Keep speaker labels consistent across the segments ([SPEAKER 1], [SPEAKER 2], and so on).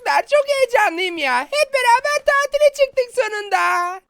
[SPEAKER 1] çocuklar çok heyecanlıyım ya. Hep beraber tatile çıktık sonunda.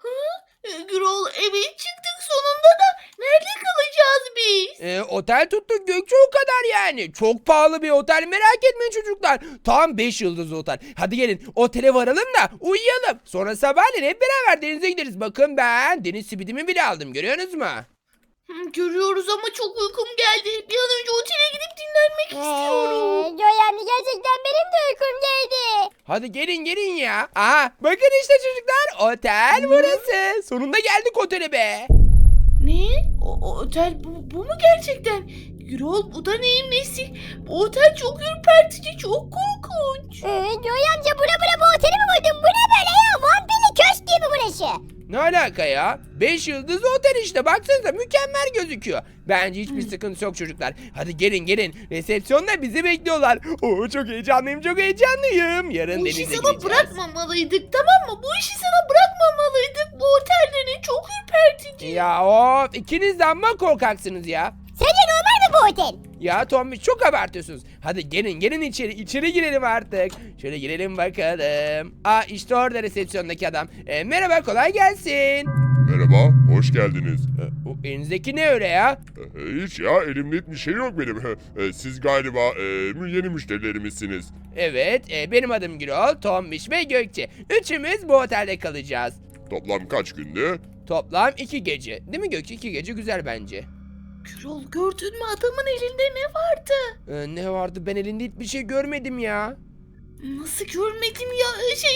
[SPEAKER 2] Gürol, evet çıktık sonunda da nerede kalacağız biz?
[SPEAKER 1] Otel tuttuk Gökçe, o kadar yani. Çok pahalı bir otel, merak etmeyin çocuklar. Tam 5 yıldızlı otel. Hadi gelin otele varalım da uyuyalım. Sonra sabahleyin hep beraber denize gideriz. Bakın ben deniz simidimi bile aldım, görüyorsunuz mu?
[SPEAKER 2] Görüyoruz ama çok uykum geldi. Bir an önce otele gidip dinlenmek istiyorum.
[SPEAKER 3] Joy amca gerçekten benim de uykum geldi.
[SPEAKER 1] Hadi gelin gelin ya. Aha bakın işte çocuklar, otel burası. Sonunda geldik otele be.
[SPEAKER 2] Ne? O otel bu mu gerçekten? Gürol, bu da neyin nesi? Bu otel çok ürpertici, çok korkunç.
[SPEAKER 3] Joy amca bu oteli mi buldun? Bu ne böyle ya? Vampirli köşk gibi burası.
[SPEAKER 1] Ne alaka ya? 5 yıldızlı otel işte, baksanıza mükemmel gözüküyor. Bence hiçbir sıkıntı yok çocuklar. Hadi gelin gelin. Resepsiyonda bizi bekliyorlar. Oo, çok heyecanlıyım, çok heyecanlıyım. Yarın
[SPEAKER 2] Bu
[SPEAKER 1] denize
[SPEAKER 2] işi sana
[SPEAKER 1] gideceğiz.
[SPEAKER 2] bırakmamalıydık, tamam mı? Bu işi sana bırakmamalıydık. Bu otelde ne çok ürpertici.
[SPEAKER 1] Ya of, ikiniz de amma korkaksınız ya.
[SPEAKER 3] Sence normal mi bu otel?
[SPEAKER 1] Ya Tommy, çok abartıyorsunuz. Hadi gelin gelin içeri girelim artık. Şöyle girelim bakalım. Aa, işte orada resepsiyondaki adam. Merhaba, kolay gelsin.
[SPEAKER 4] Merhaba, hoş geldiniz.
[SPEAKER 1] O elinizdeki ne öyle ya?
[SPEAKER 4] Hiç ya, elimde hiçbir şey yok benim. Siz galiba yeni müşterilerimizsiniz.
[SPEAKER 1] Evet, benim adım Gürol, Tombiş ve Gökçe. Üçümüz bu otelde kalacağız.
[SPEAKER 4] Toplam kaç gündü?
[SPEAKER 1] Toplam 2 gece. Değil mi Gökçe? 2 gece güzel bence.
[SPEAKER 2] Gürol, gördün mü adamın elinde ne vardı?
[SPEAKER 1] Ne vardı? Ben elinde hiçbir şey görmedim ya.
[SPEAKER 2] Nasıl görmedim ya?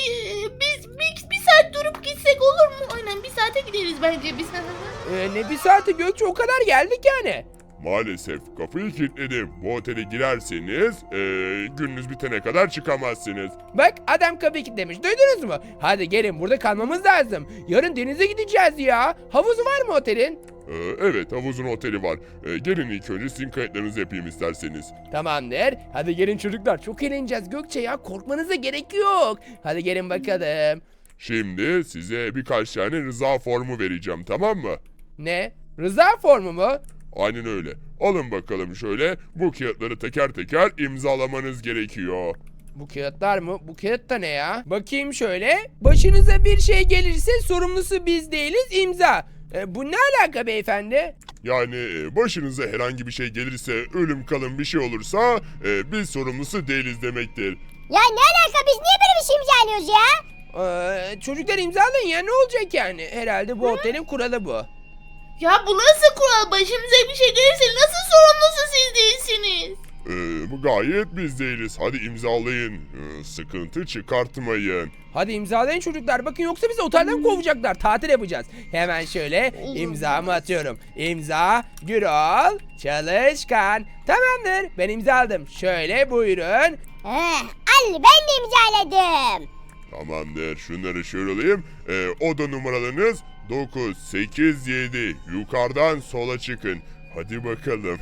[SPEAKER 2] Biz bir saat durup gitsek olur mu? Aynen, bir saate gideriz bence biz.
[SPEAKER 1] Ne bir saati Gökçe, o kadar geldik yani.
[SPEAKER 4] Maalesef kapıyı kilitledim. Bu otele girerseniz gününüz bitene kadar çıkamazsınız.
[SPEAKER 1] Bak, adam kapıyı kilitlemiş, duydunuz mu? Hadi gelin, burada kalmamız lazım. Yarın denize gideceğiz ya. Havuzu var mı otelin?
[SPEAKER 4] Evet, havuzun oteli var. Gelin ilk önce sizin kayıtlarınızı yapayım isterseniz.
[SPEAKER 1] Tamamdır. Hadi gelin çocuklar, çok eğleneceğiz Gökçe ya. Korkmanıza gerek yok. Hadi gelin bakalım.
[SPEAKER 4] Şimdi size birkaç tane rıza formu vereceğim, tamam mı?
[SPEAKER 1] Ne? Rıza formu mu?
[SPEAKER 4] Aynen öyle. Alın bakalım şöyle. Bu kağıtları teker teker imzalamanız gerekiyor.
[SPEAKER 1] Bu kağıtlar mı? Bu kağıt da ne ya? Bakayım şöyle. Başınıza bir şey gelirse sorumlusu biz değiliz, imza. Bu ne alaka beyefendi?
[SPEAKER 4] Yani başınıza herhangi bir şey gelirse, ölüm kalım bir şey olursa biz sorumlusu değiliz demektir.
[SPEAKER 3] Ya ne alaka, biz niye böyle bir şey imzalıyoruz ya?
[SPEAKER 1] Çocuklar imzalayın ya, ne olacak yani? Herhalde bu otelin kuralı bu.
[SPEAKER 2] Ya bu nasıl kural? Başımıza bir şey gelirse nasıl sorumlusu siz değilsiniz?
[SPEAKER 4] Bu gayet biz değiliz. Hadi imzalayın. Sıkıntı çıkartmayın.
[SPEAKER 1] Hadi imzalayın çocuklar. Bakın, yoksa bizi otelden kovacaklar. Tatil yapacağız. Hemen şöyle imzamı atıyorum. İmza Gürol Çalışkan. Tamamdır. Ben imzaladım. Şöyle buyurun.
[SPEAKER 3] Al, ben de imzaladım.
[SPEAKER 4] Tamamdır. Şunları şöyle alayım. Oda numaralarınız 9, 8, 7. Yukarıdan sola çıkın. Hadi bakalım.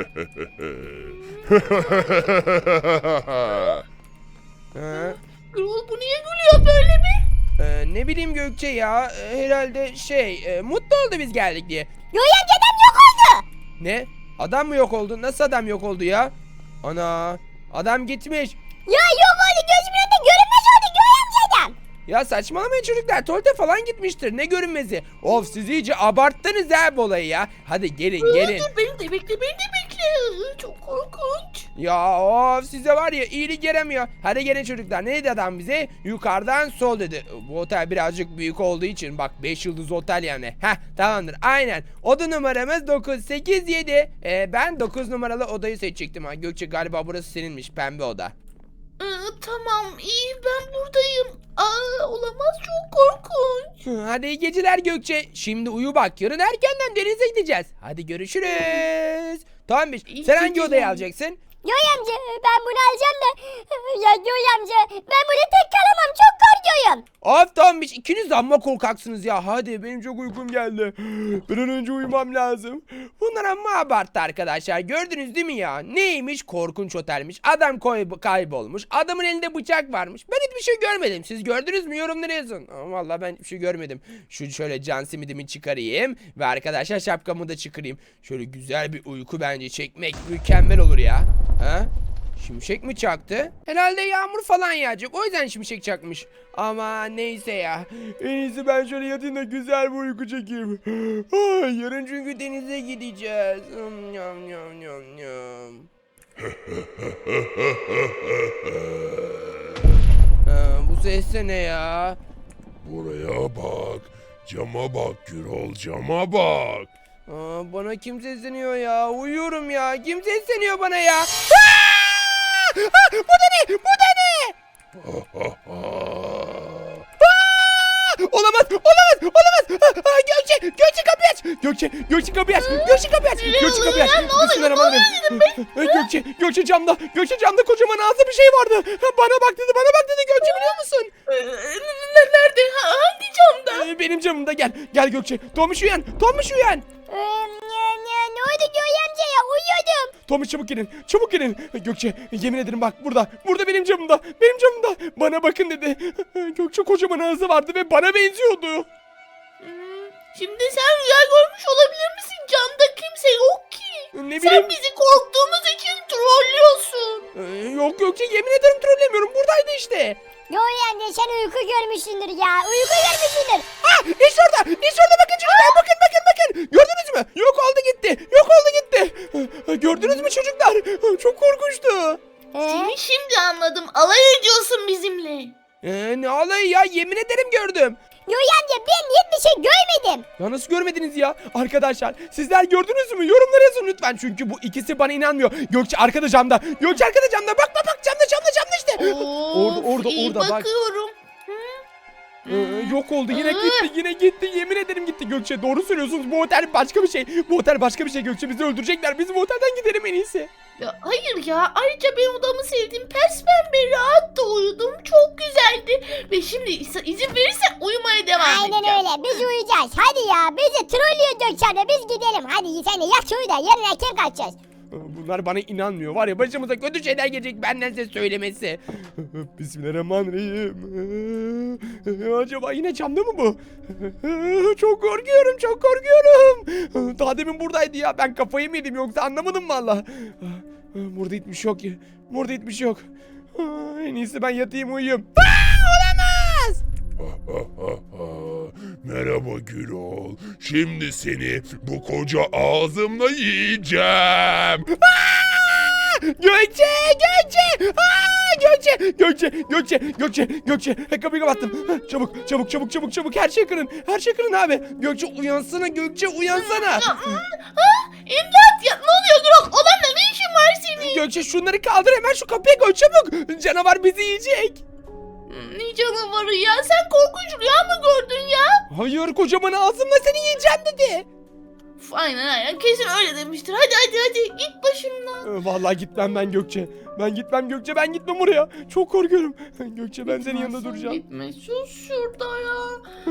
[SPEAKER 2] Gürol, bu niye gülüyor böyle mi?
[SPEAKER 1] Ne bileyim Gökçe ya. Herhalde mutlu oldu biz geldik diye.
[SPEAKER 3] Joy amca adam yok oldu.
[SPEAKER 1] Ne? Adam mı yok oldu? Nasıl adam yok oldu ya? Ana. Adam gitmiş.
[SPEAKER 3] Ya yok oldu, gözümün önünde görünmez oldu Joy amca adam.
[SPEAKER 1] Ya saçmalamayın çocuklar. Tuvalete falan gitmiştir. Ne görünmezi? Of, siz iyice abarttınız ha bu olayı ya. Hadi gelin gelin.
[SPEAKER 2] Dur, beni de bekle. Çok korkunç.
[SPEAKER 1] Ya of, size var ya, iyilik yaramıyor. Hadi gelin çocuklar. Ne dedi adam bize? Yukarıdan sol dedi. Bu otel birazcık büyük olduğu için, bak 5 yıldız otel yani. Heh, tamamdır, aynen. Oda numaramız 987. Ben 9 numaralı odayı seçecektim ha. Gökçe, galiba burası seninmiş, pembe oda.
[SPEAKER 2] Tamam, iyi, ben buradayım. Olamaz, çok korkunç.
[SPEAKER 1] Hadi iyi geceler Gökçe. Şimdi uyu bak, yarın erkenden denize gideceğiz. Hadi görüşürüz. Tamam,
[SPEAKER 2] İyi
[SPEAKER 1] sen hangi
[SPEAKER 2] geceler.
[SPEAKER 1] odayı alacaksın?
[SPEAKER 3] Joy amca, ben bunu alacağım da. Ya Joy amca, ben burada tek kalamam, çok korkuyorum.
[SPEAKER 1] Of Tombiş, ikiniz de amma korkaksınız ya. Hadi, benim çok uykum geldi. Bir an önce uyumam lazım. Bunlar amma abarttı arkadaşlar. Gördünüz değil mi ya? Neymiş? Korkunç otelmiş. Adam kaybolmuş. Adamın elinde bıçak varmış. Ben hiçbir şey görmedim. Siz gördünüz mü? Yorumlara yazın. Vallahi ben hiçbir şey görmedim. Şu şöyle can simidimi çıkarayım. Ve arkadaşlar şapkamı da çıkarayım. Şöyle güzel bir uyku bence çekmek mükemmel olur ya. Ha? Şimşek mi çaktı? Herhalde yağmur falan yağacak. O yüzden şimşek çakmış. Ama neyse ya. En iyisi ben şöyle yatayım da güzel bir uyku çekeyim. Ay, yarın çünkü denize gideceğiz. Yam yam yam yam. Bu ses de ne ya?
[SPEAKER 4] Buraya bak. Cama bak Gürol, cama bak.
[SPEAKER 1] Bana kim sesleniyor ya? Uyuyorum ya. Kim sesleniyor bana ya? Bu da ne? Bu da ne? Olamaz, olamaz, olamaz. Gökçe kapıyı aç. Gökçe kapıyı aç. Gökçe kapıyı aç. Gökçe kapıyı aç. Bismillahirrahmanirrahim. Gökçe camda kocaman ağzı bir şey vardı. Bana bak dedi. Gökçe biliyor musun?
[SPEAKER 2] Nerede? Hangi camda?
[SPEAKER 1] Benim camımda gel. Gel Gökçe. Tomuş uyan.
[SPEAKER 3] Ne oldu Joy amca ya? Uyuyordum.
[SPEAKER 1] Tomuş çabuk gelin. Gökçe yemin ederim bak burada benim camımda. Bana bakın dedi. Gökçe kocaman ağzı vardı ve bana benziyordu.
[SPEAKER 2] Şimdi sen rüya görmüş olabilir misin? Camda kimse yok ki.
[SPEAKER 1] Ne bileyim.
[SPEAKER 2] Sen bizi korktuğumuz için trollüyorsun.
[SPEAKER 1] Yok Gökçe yemin ederim trollemiyorum. Buradaydı işte.
[SPEAKER 3] Joy amca sen uyku görmüşsündür ya.
[SPEAKER 1] İşte orada bakın çocuklar. Bakın. Gördünüz mü? Yok oldu gitti. Gördünüz mü çocuklar? Çok korkunçtu.
[SPEAKER 2] Seni şimdi anladım. Alay ediyorsun bizimle.
[SPEAKER 1] Ne alayı ya? Yemin ederim gördüm.
[SPEAKER 3] Joy amca ben hiçbir şey görmedim.
[SPEAKER 1] Ya nasıl görmediniz ya? Arkadaşlar sizler gördünüz mü? Yorumlara yazın lütfen. Çünkü bu ikisi bana inanmıyor. Gökçe arkada camda. Bak camda işte. Orada
[SPEAKER 2] İyi
[SPEAKER 1] bak.
[SPEAKER 2] bakıyorum.
[SPEAKER 1] Yok oldu yine gitti yemin ederim gitti Gökçe doğru söylüyorsunuz bu otel başka bir şey Gökçe bizi öldürecekler biz bu otelden gidelim en iyisi.
[SPEAKER 2] Ya hayır ya. Ayrıca ben odamı sevdim. Pes pembe rahat da uyudum. Çok güzeldi. Ve şimdi izin verirsen uyumaya devam edeceğim.
[SPEAKER 3] Aynen öyle biz uyuyacağız. Hadi ya bizi trollüyor Gökçe abla biz gidelim. Hadi sen de yat uyu da yarın erken kaçacağız.
[SPEAKER 1] Bunlar bana inanmıyor var ya başımıza kötü şeyler gelecek benden size söylemesi. Bismillahirrahmanirrahim. Acaba yine camda mı bu? Çok korkuyorum. Daha demin buradaydı ya ben kafayı mı yedim yoksa anlamadım valla. Burada hiçbir şey yok. En iyisi ben yatayım uyuyayım. Olamaz.
[SPEAKER 4] Merhaba Gürol. Şimdi seni bu koca ağzımla yiyeceğim.
[SPEAKER 1] Gökçe! Kapıyı kapattım. Çabuk. Her şey kırın abi. Gökçe uyansana.
[SPEAKER 2] İmdat ya. Ne oluyor Gürol? Olanla ne işin var senin?
[SPEAKER 1] Gökçe şunları kaldır hemen şu kapıya koy çabuk. Canavar bizi yiyecek.
[SPEAKER 2] Ne canavarı ya? Sen korkunç rüya mı gördün ya?
[SPEAKER 1] Hayır kocaman ağzımla seni yiyeceğim dedi.
[SPEAKER 2] Aynen. Kesin öyle demiştir. Hadi git başımdan.
[SPEAKER 1] Vallahi gitmem ben Gökçe. Ben gitmem oraya. Çok korkuyorum. Gökçe ben senin yanında duracağım.
[SPEAKER 2] Gitme sus şurada ya.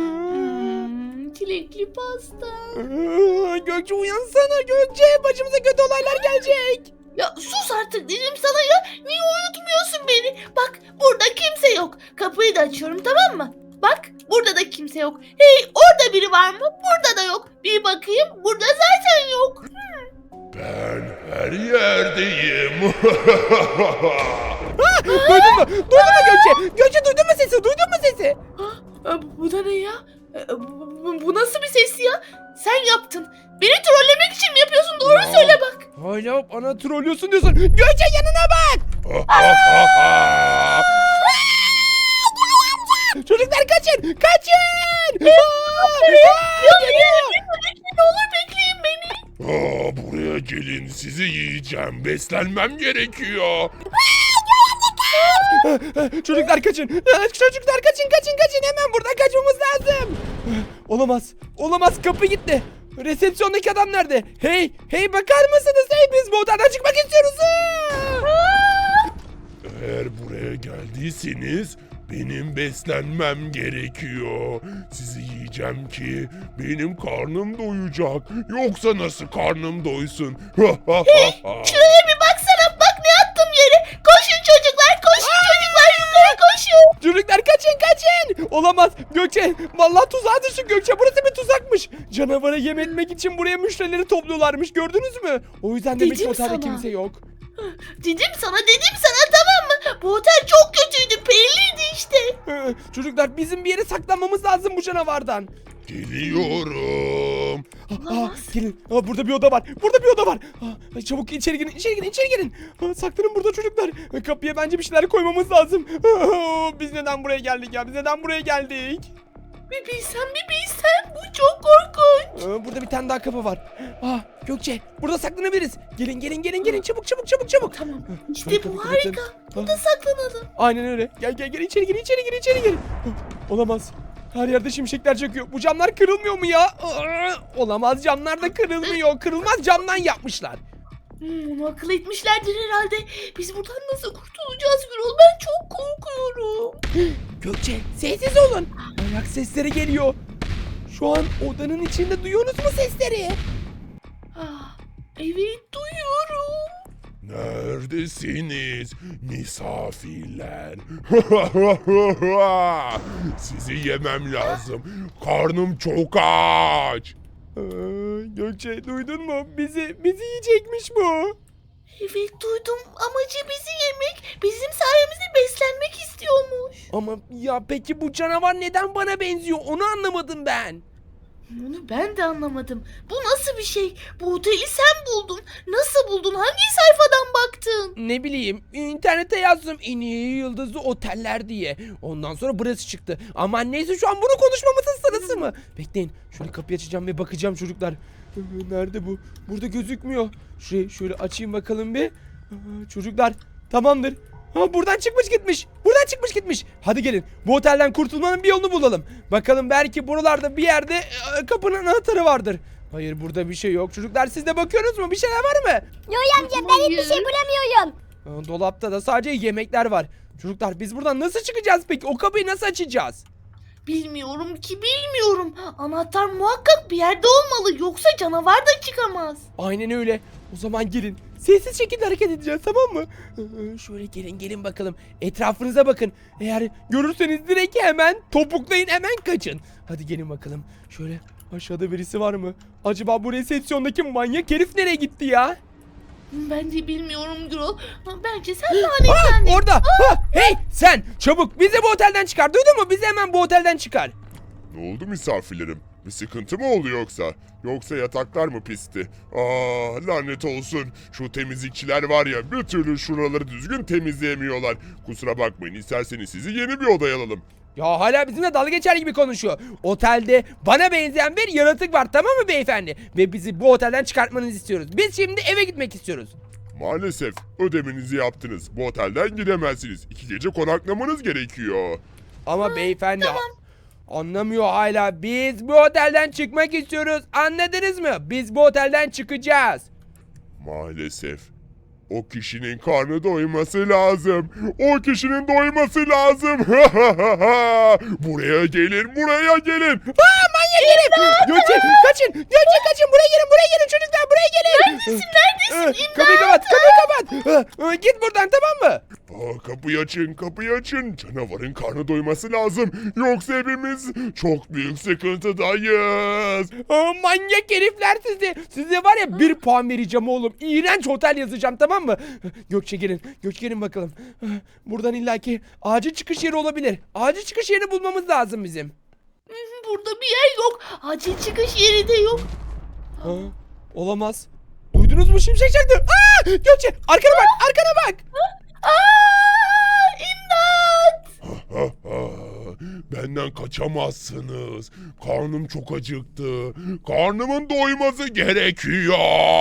[SPEAKER 2] Çilekli pasta.
[SPEAKER 1] Gökçe uyansana Gökçe. Başımıza kötü olaylar gelecek.
[SPEAKER 2] Ya sus artık dedim sana ya. Niye uyutmuyorsun beni? Bak burada kimse yok. Kapıyı da açıyorum tamam mı? Bak burada da kimse yok. Hey orada biri var mı? Burada da yok. Bir bakayım burada zaten yok.
[SPEAKER 4] Ben her yerdeyim.
[SPEAKER 1] Duydun mu Gökçe? Gökçe duydun mu sesi?
[SPEAKER 2] Bu da ne ya? Bu nasıl bir ses ya? Sen yaptın. Beni trollemek için mi yapıyorsun? Doğru söyle bak.
[SPEAKER 1] Hala bana trollüyorsun diyorsun. Gökçe yanına bak. Çocuklar kaçın.
[SPEAKER 2] Ne olur bekleyin beni.
[SPEAKER 4] Buraya gelin sizi yiyeceğim. Beslenmem gerekiyor.
[SPEAKER 1] Çocuklar kaçın. Kaçın. Hemen buradan kaçmamız lazım. Olamaz. Kapı gitti. Resepsiyondaki adam nerede? Hey bakar mısınız? Biz bu odadan çıkmak istiyoruz.
[SPEAKER 4] Eğer buraya geldiyseniz benim beslenmem gerekiyor. Sizi yiyeceğim ki benim karnım doyacak. Yoksa nasıl karnım doysun?
[SPEAKER 2] Şuraya bir baksana. Bak ne attım yere. Koşun çocuklar. Yukarı koşun.
[SPEAKER 1] Çocuklar kaçın. Olamaz. Gökçe vallahi tuzağa düştük Gökçe. Burası bir tuzakmış. Canavara yem etmek için buraya müşterileri topluyorlarmış. Gördünüz mü? O yüzden demek ki
[SPEAKER 2] Dedim
[SPEAKER 1] otelde
[SPEAKER 2] sana.
[SPEAKER 1] kimse yok.
[SPEAKER 2] Dedim sana tamam mı? Bu otel çok kötüydü, belliydi işte.
[SPEAKER 1] Çocuklar bizim bir yere saklanmamız lazım bu canavardan.
[SPEAKER 4] Geliyorum.
[SPEAKER 1] Gelin. Burada bir oda var. Burada bir oda var. Çabuk içeri girin. İçeri girin. Saklanın burada çocuklar. Kapıya bence bir şeyler koymamız lazım. Biz neden buraya geldik ya? Biz neden buraya geldik?
[SPEAKER 2] Bir bilsen bu çok korkunç.
[SPEAKER 1] Burada bir tane daha kapı var. Gökçe burada saklanabiliriz. Gelin çabuk.
[SPEAKER 2] Tamam işte
[SPEAKER 1] Kapıyı
[SPEAKER 2] bu
[SPEAKER 1] kapatın.
[SPEAKER 2] harika. Burada saklanalım.
[SPEAKER 1] Aynen öyle. Gel içeri gir. Olamaz. Her yerde şimşekler çakıyor. Bu camlar kırılmıyor mu ya? Olamaz, camlar da kırılmıyor. Kırılmaz camdan yapmışlar.
[SPEAKER 2] Onu akıl etmişlerdir herhalde. Biz buradan nasıl kurtulacağız Gürol? Ben çok korkuyorum.
[SPEAKER 1] Gökçe sessiz olun. Ayak sesleri geliyor. Şu an odanın içinde duyuyorsunuz mu sesleri?
[SPEAKER 2] Evet duyuyorum.
[SPEAKER 4] Neredesiniz misafirler? Sizi yemem lazım. Karnım çok aç.
[SPEAKER 1] Gökçe duydun mu? Bizi yiyecekmiş bu.
[SPEAKER 2] Evet duydum. Amacı bizi yemek, bizim sayemizde beslenmek istiyormuş.
[SPEAKER 1] Ama ya peki bu canavar neden bana benziyor? Onu anlamadım ben.
[SPEAKER 2] Onu ben de anlamadım. Bu nasıl bir şey? Bu oteli sen buldun. Nasıl buldun? Hangi sayfadan baktın?
[SPEAKER 1] Ne bileyim, internete yazdım en iyi yıldızlı oteller diye. Ondan sonra burası çıktı. Ama neyse, şu an bunu konuşmamızın sırası mı? Bekleyin, şöyle kapıyı açacağım ve bakacağım çocuklar. Nerede bu? Burada gözükmüyor. Şurayı şöyle açayım bakalım bir. Çocuklar tamamdır. Buradan çıkmış gitmiş. Hadi gelin, bu otelden kurtulmanın bir yolunu bulalım. Bakalım, belki buralarda bir yerde kapının anahtarı vardır. Hayır, burada bir şey yok. Çocuklar, siz de bakıyorsunuz mu? Bir şeyler var mı?
[SPEAKER 3] Yoy amca ben hiçbir şey bulamıyorum.
[SPEAKER 1] Dolapta da sadece yemekler var. Çocuklar, biz buradan nasıl çıkacağız peki? O kapıyı nasıl açacağız?
[SPEAKER 2] Bilmiyorum ki, bilmiyorum. Anahtar muhakkak bir yerde olmalı. Yoksa canavar da çıkamaz.
[SPEAKER 1] Aynen öyle. O zaman gelin. Sessiz şekilde hareket edeceğiz, tamam mı? Şöyle gelin bakalım. Etrafınıza bakın. Eğer görürseniz direkt hemen topuklayın, hemen kaçın. Hadi gelin bakalım. Şöyle aşağıda birisi var mı? Acaba bu resepsiyondaki manyak herif nereye gitti ya?
[SPEAKER 2] Ben de bilmiyorum Gürol. Bence sen lanetlendin.
[SPEAKER 1] Orada. Hey sen, çabuk bizi bu otelden çıkar. Duydun mu? Bizi hemen bu otelden çıkar.
[SPEAKER 4] Ne oldu misafirlerim? Bir sıkıntı mı oldu yoksa? Yoksa yataklar mı pisti? Lanet olsun. Şu temizlikçiler var ya, bir türlü şuraları düzgün temizleyemiyorlar. Kusura bakmayın, isterseniz sizi yeni bir odaya alalım.
[SPEAKER 1] Ya hala bizimle dalga geçer gibi konuşuyor. Otelde bana benzeyen bir yaratık var, tamam mı beyefendi? Ve bizi bu otelden çıkartmanızı istiyoruz. Biz şimdi eve gitmek istiyoruz.
[SPEAKER 4] Maalesef ödemenizi yaptınız. Bu otelden gidemezsiniz. 2 gece konaklamanız gerekiyor.
[SPEAKER 1] Ama beyefendi anlamıyor hala. Biz bu otelden çıkmak istiyoruz. Anladınız mı? Biz bu otelden çıkacağız.
[SPEAKER 4] Maalesef. O kişinin karnı doyması lazım. O kişinin doyması lazım. Buraya gelin.
[SPEAKER 1] Manyak herif! Gökçe kaçın! Buraya gelin çocuklar, buraya gelin!
[SPEAKER 2] Neredesin?
[SPEAKER 1] Kapıyı kapat! Git buradan, tamam mı?
[SPEAKER 4] Kapıyı açın. Canavarın karnı doyması lazım. Yoksa hepimiz çok büyük sıkıntıdayız.
[SPEAKER 1] Manyak herifler sizi! Size var ya 1 puan vereceğim oğlum. İğrenç otel yazacağım, tamam mı? Gökçe gelin bakalım. Buradan illaki acil çıkış yeri olabilir. Acil çıkış yerini bulmamız lazım bizim.
[SPEAKER 2] Burada bir yer yok. Acil çıkış yeri de yok.
[SPEAKER 1] Olamaz. Duydunuz mu, şimşek çaktı? Gökçe arkana bak!
[SPEAKER 2] İmdat!
[SPEAKER 4] Benden kaçamazsınız. Karnım çok acıktı. Karnımın doyması gerekiyor.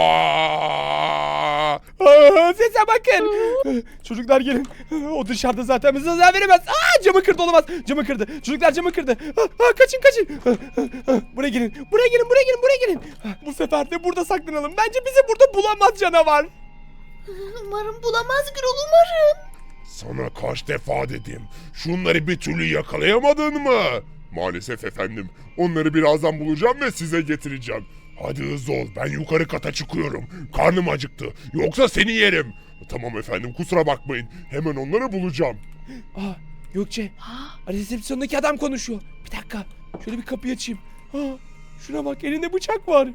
[SPEAKER 1] Sese bakın. Çocuklar gelin. O dışarıda zaten bize zarar veremez. Camı kırdı, olamaz. Camı kırdı. Çocuklar camı kırdı. Kaçın. Buraya gelin. Bu sefer de burada saklanalım. Bence bizi burada bulamaz canavar.
[SPEAKER 2] Umarım bulamaz Gürol, umarım.
[SPEAKER 4] Sana kaç defa dedim. Şunları bir türlü yakalayamadın mı? Maalesef efendim. Onları birazdan bulacağım ve size getireceğim. Hadi hızlı ol. Ben yukarı kata çıkıyorum. Karnım acıktı. Yoksa seni yerim. Tamam efendim, kusura bakmayın. Hemen onları bulacağım.
[SPEAKER 1] Gökçe. Resepsiyondaki adam konuşuyor. Bir dakika. Şöyle bir kapıyı açayım. Şuna bak, elinde bıçak var.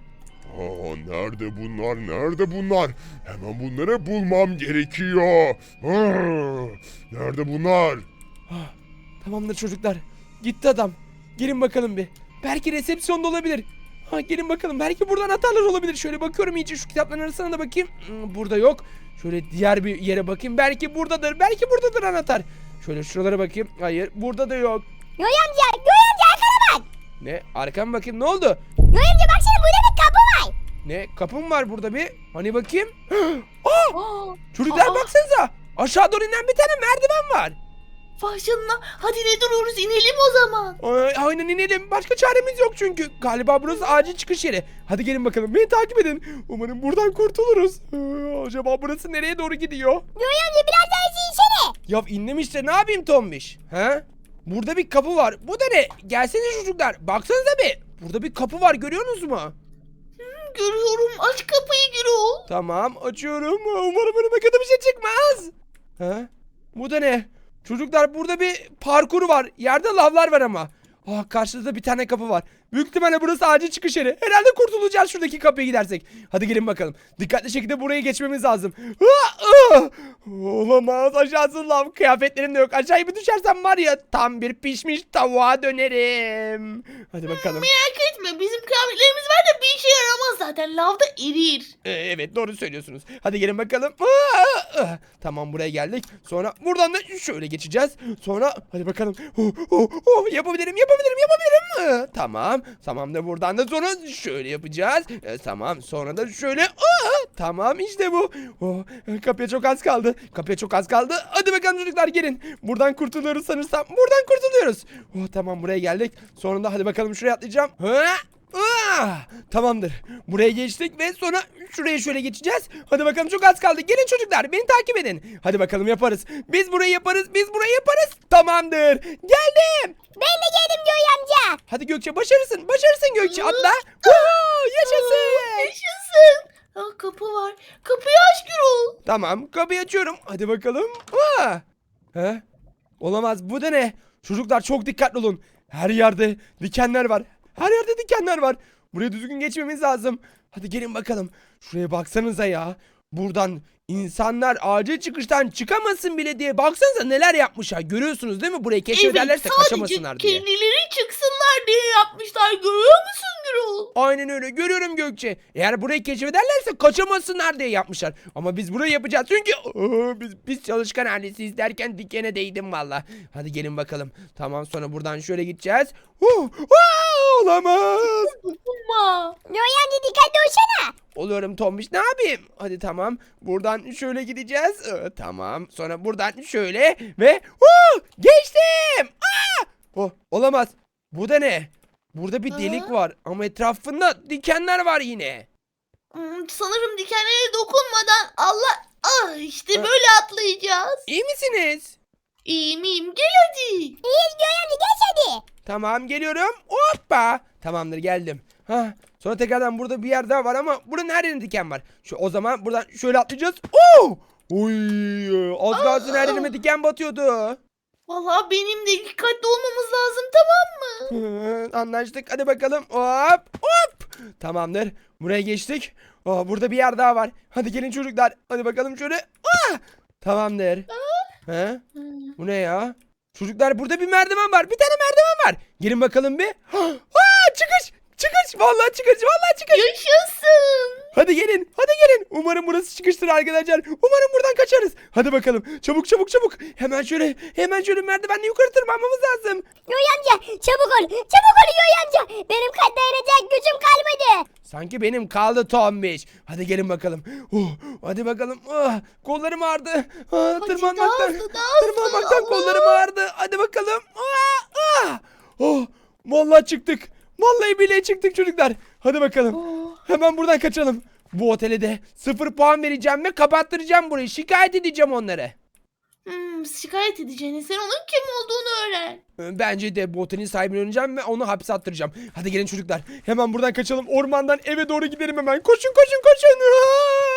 [SPEAKER 4] Nerede bunlar? Nerede bunlar? Hemen bunları bulmam gerekiyor. Nerede bunlar?
[SPEAKER 1] Ah, tamamdır çocuklar. Gitti adam. Gelin bakalım bir. Belki resepsiyonda olabilir. Ha, gelin bakalım. Belki buradan anahtarlar olabilir. Şöyle bakıyorum iyice şu kitapların arasına da bakayım. Burada yok. Şöyle diğer bir yere bakayım. Belki buradadır. Belki buradadır anahtar. Şöyle şuralara bakayım. Hayır, burada da yok.
[SPEAKER 3] Yoy amca arkana bak.
[SPEAKER 1] Ne? Arkama bakayım. Ne oldu?
[SPEAKER 3] Yoy amca baksana burada bir kapı var.
[SPEAKER 1] Ne? Kapı mı var burada bir? Hani bakayım. Aa!
[SPEAKER 2] Aa,
[SPEAKER 1] Çocuklar
[SPEAKER 2] aa.
[SPEAKER 1] baksanıza. Aşağı doğru inen bir tane merdiven var.
[SPEAKER 2] vay canına. Hadi ne duruyoruz, inelim o zaman.
[SPEAKER 1] Aynen inelim. Başka çaremiz yok çünkü. Galiba burası acil çıkış yeri. Hadi gelin bakalım. Beni takip edin. Umarım buradan kurtuluruz. Acaba burası nereye doğru gidiyor?
[SPEAKER 3] Yoy amca biraz daha hızlı insene.
[SPEAKER 1] Ya indim işte. Ne yapayım Tombiş? He? Burada bir kapı var. Bu da ne? Gelsene çocuklar. Baksanıza bir. Burada bir kapı var. Görüyorsunuz mu?
[SPEAKER 2] Görüyorum, aç kapıyı Gürol.
[SPEAKER 1] Tamam. Açıyorum. Umarım önüme kötü bir şey çıkmaz. He? Bu da ne? Çocuklar burada bir parkur var. Yerde lavlar var ama. Karşıda bir tane kapı var. Büyük ihtimalle burası acil çıkış yeri. Herhalde kurtulacağız şuradaki kapıya gidersek. Hadi gelin bakalım. Dikkatli şekilde burayı geçmemiz lazım. Olamaz. Aşağısı lav. Kıyafetlerim de yok. Aşağıya bir düşersem var ya tam bir pişmiş tavuğa dönerim. Hadi bakalım.
[SPEAKER 2] Merak etme, bizim kıyafetlerimiz var da bir işe yaramaz zaten. Lavda erir.
[SPEAKER 1] Evet doğru söylüyorsunuz. Hadi gelin bakalım. Tamam buraya geldik. Sonra buradan da şöyle geçeceğiz. Sonra hadi bakalım. Yapabilirim. Tamam. Tamam da buradan da sonra şöyle yapacağız. Tamam. Sonra da şöyle. Tamam işte bu. Kapıya çok az kaldı. Hadi bakalım çocuklar gelin. Buradan kurtuluyoruz sanırsam. Buradan kurtuluyoruz. Tamam buraya geldik. Sonra da hadi bakalım şuraya atlayacağım. Tamamdır. Buraya geçtik ve sonra şuraya şöyle geçeceğiz. Hadi bakalım çok az kaldı. Gelin çocuklar beni takip edin. Hadi bakalım yaparız. Biz burayı yaparız. Tamamdır. Geldim.
[SPEAKER 3] Ben de geldim Yoy amca.
[SPEAKER 1] Hadi Gökçe başarırsın. Gökçe atla. Yaşasın.
[SPEAKER 2] Yaşasın. Kapı var. Kapıyı aç Gürol.
[SPEAKER 1] Tamam kapıyı açıyorum. Hadi bakalım. He? Olamaz bu da ne? Çocuklar çok dikkatli olun. Her yerde dikenler var. Buraya düzgün geçmemiz lazım. Hadi gelin bakalım. Şuraya baksanıza ya. Buradan insanlar acil çıkıştan çıkamasın bile diye baksanıza neler yapmışlar. Görüyorsunuz değil mi? Burayı keşfederlerse kaçamasınlar diye.
[SPEAKER 2] kendileri çıksınlar diye yapmışlar. Görüyor musun Gürol?
[SPEAKER 1] Aynen öyle görüyorum Gökçe. Eğer burayı keşfederlerse kaçamasınlar diye yapmışlar. Ama biz burayı yapacağız çünkü biz çalışkan ailesiyiz derken dikene değdim valla. Hadi gelin bakalım. Tamam sonra buradan şöyle gideceğiz. Olamaz.
[SPEAKER 2] Dokunma.
[SPEAKER 3] Yoy amca dikkatli olsana.
[SPEAKER 1] Oluyorum Tombiş ne yapayım? Hadi tamam. Buradan şöyle gideceğiz. Tamam. Sonra buradan şöyle ve geçtim. Olamaz. Bu da ne? Burada bir delik var ama etrafında dikenler var yine.
[SPEAKER 2] Sanırım dikenlere dokunmadan işte böyle atlayacağız.
[SPEAKER 1] İyi misiniz?
[SPEAKER 2] İyiyim, gel hadi.
[SPEAKER 3] İyiyiz Yoy amca geç hadi.
[SPEAKER 1] Tamam geliyorum. Hoppa. Tamamdır geldim. Sonra tekrardan burada bir yer daha var ama buranın her yerinde diken var. O zaman buradan şöyle atlayacağız. Oy, az kalsın her yerime diken batıyordu.
[SPEAKER 2] Vallahi benim de dikkatli olmamız lazım, tamam mı?
[SPEAKER 1] Anlaştık. Hadi bakalım. Hop. Tamamdır. Buraya geçtik. Burada bir yer daha var. Hadi gelin çocuklar. Hadi bakalım şöyle. Tamamdır. Bu ne ya? Çocuklar burada bir merdiven var. Bir tane merdiven var. Gelin bakalım bir. Çıkış. Vallahi çıkış.
[SPEAKER 2] Yaşasın.
[SPEAKER 1] Hadi gelin. Umarım burası çıkıştır arkadaşlar. Umarım buradan kaçarız. Hadi bakalım. Çabuk. Hemen şöyle merdivenle yukarı tırmanmamız lazım.
[SPEAKER 3] Yoy amca çabuk ol Yoy amca. Benim dayanacak gücüm kalmadı.
[SPEAKER 1] Sanki benim kaldı Tombiş. Hadi gelin bakalım. Hadi bakalım. Kollarım ağrıdı. Tırmanmaktan
[SPEAKER 2] daha hızlı.
[SPEAKER 1] kollarım ağrıdı. Hadi bakalım. Vallahi çıktık. Vallahi bile çıktık çocuklar. Hadi bakalım. Hemen buradan kaçalım. Bu otele de 0 puan vereceğim ve kapattıracağım burayı. Şikayet edeceğim onları.
[SPEAKER 2] Şikayet edeceğini, sen onun kim olduğunu öğren.
[SPEAKER 1] Bence de bu otelin sahibini öğreneceğim ve onu hapse attıracağım. Hadi gelin çocuklar. Hemen buradan kaçalım. Ormandan eve doğru gidelim hemen. Koşun.